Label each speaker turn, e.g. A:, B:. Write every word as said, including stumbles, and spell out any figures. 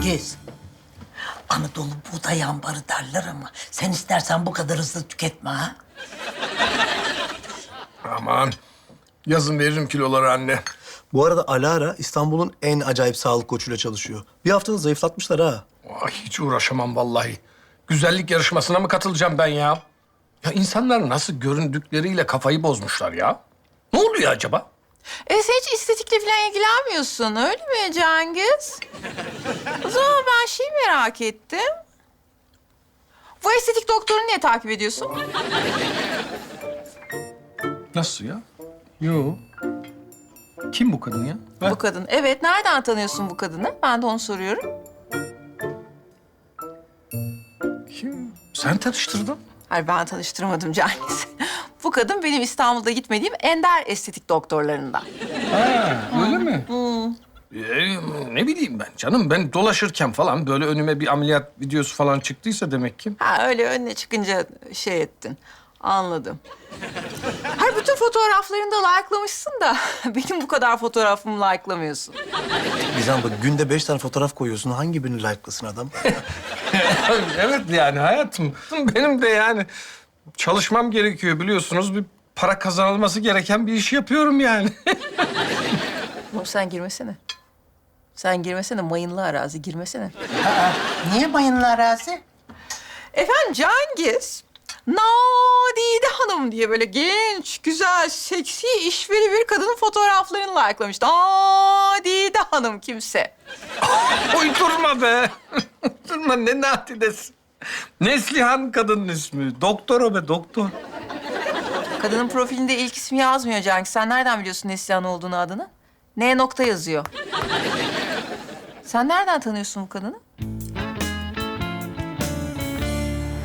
A: Cengiz. Anadolu buğday ambarı derler ama sen istersen bu kadar hızlı tüketme ha.
B: Aman. Yazın veririm kiloları anne.
C: Bu arada Alara İstanbul'un en acayip sağlık koçuyla çalışıyor. Bir haftada zayıflatmışlar ha.
B: Ay, hiç uğraşamam vallahi. Güzellik yarışmasına mı katılacağım ben ya? Ya insanlar nasıl göründükleriyle kafayı bozmuşlar ya? Ne oluyor acaba?
D: E sen hiç estetikle falan ilgilenmiyorsun öyle mi Cengiz? O zaman ben şey merak ettim. Bu estetik doktorunu niye takip ediyorsun?
B: Nasıl ya? Yo. Kim bu kadın ya? Ben-
D: Bu kadın. Evet, nereden tanıyorsun bu kadını? Ben de onu soruyorum.
B: Kim? Sen tanıştırdın.
D: Hayır, ben tanıştırmadım Cengiz. Bu kadın benim İstanbul'da gitmediğim ender estetik doktorlarından.
B: Ha, öyle mi? Ee, ne bileyim ben canım. Ben dolaşırken falan böyle önüme bir ameliyat videosu falan çıktıysa demek ki.
D: Ha öyle önüne çıkınca şey ettin. Anladım. Hayır, bütün fotoğraflarını da like'lamışsın da benim bu kadar fotoğrafımı like'lamıyorsun.
C: Gizem bak günde beş tane fotoğraf koyuyorsun. Hangi birini like'lasın adam?
B: Evet yani hayatım. Benim de yani çalışmam gerekiyor biliyorsunuz. Bir para kazanılması gereken bir iş yapıyorum yani.
D: Oğlum sen girmesene. Sen girmesene, mayınlı arazi girmesene.
A: Niye mayınlı arazi?
D: Efendim Cengiz, Nadide Hanım diye böyle genç, güzel, seksi, işveri bir kadının fotoğraflarını like'lamış. Nadide Hanım kimse.
B: Uydurma be. Uydurma ne natidesi. Neslihan kadının ismi. Doktor o be doktor.
D: Kadının profilinde ilk ismi yazmıyor Cengiz. Sen nereden biliyorsun Neslihan olduğunu adını? N nokta yazıyor. Sen nereden tanıyorsun bu kadını?